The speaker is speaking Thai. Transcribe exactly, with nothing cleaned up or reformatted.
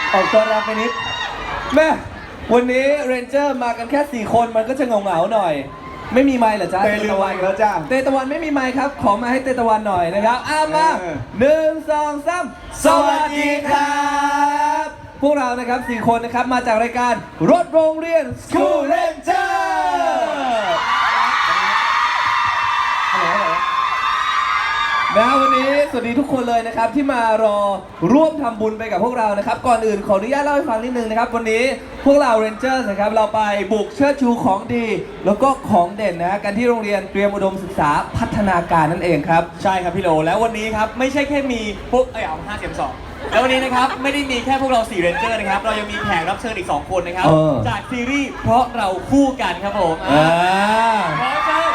ออกตัวแรงไปนิดแม่วันนี้เรนเจอร์มากันแค่สี่คนมันก็จะเหงาๆหน่อยไม่มีไมค์เหรอจ๊ะเตลืมไมค์แล้วจ้าเตตะวันไม่มีไมค์ครับขอมาให้เตตะวันหน่อยนะครับอ้ามาเออหนึ่งสองสามสวัสดีครับพวกเรานะครับสี่คนนะครับมาจากรายการรถโรงเรียน School Ranger นะวันนี้สวัสดีทุกคนเลยนะครับที่มารอร่วมทำบุญไปกับพวกเรานะครับก่อนอื่นขออนุญาตเล่าให้ฟังนิดนึงนะครับวันนี้พวกเรา Rangers นะครับเราไปบุกเชิดชูของดี แล้วก็ของเด่นนะกันที่โรงเรียนเตรียมอุดมศึกษาพัฒนาการนั่นเองครับใช่ครับพี่โลแล้ววันนี้ครับไม่ใช่แค่มีพวกเอ้ยเอาห้าเสียงสองแล้ววันนี้นะครับไม่ได้มีแค่พวกเราสี่เรนเจอร์นะครับเรายังมีแขกรับเชิญอีกสองคนนะครับเออจากซีรีส์เพราะเราคู่กันครับผมอ่าขอเชิญ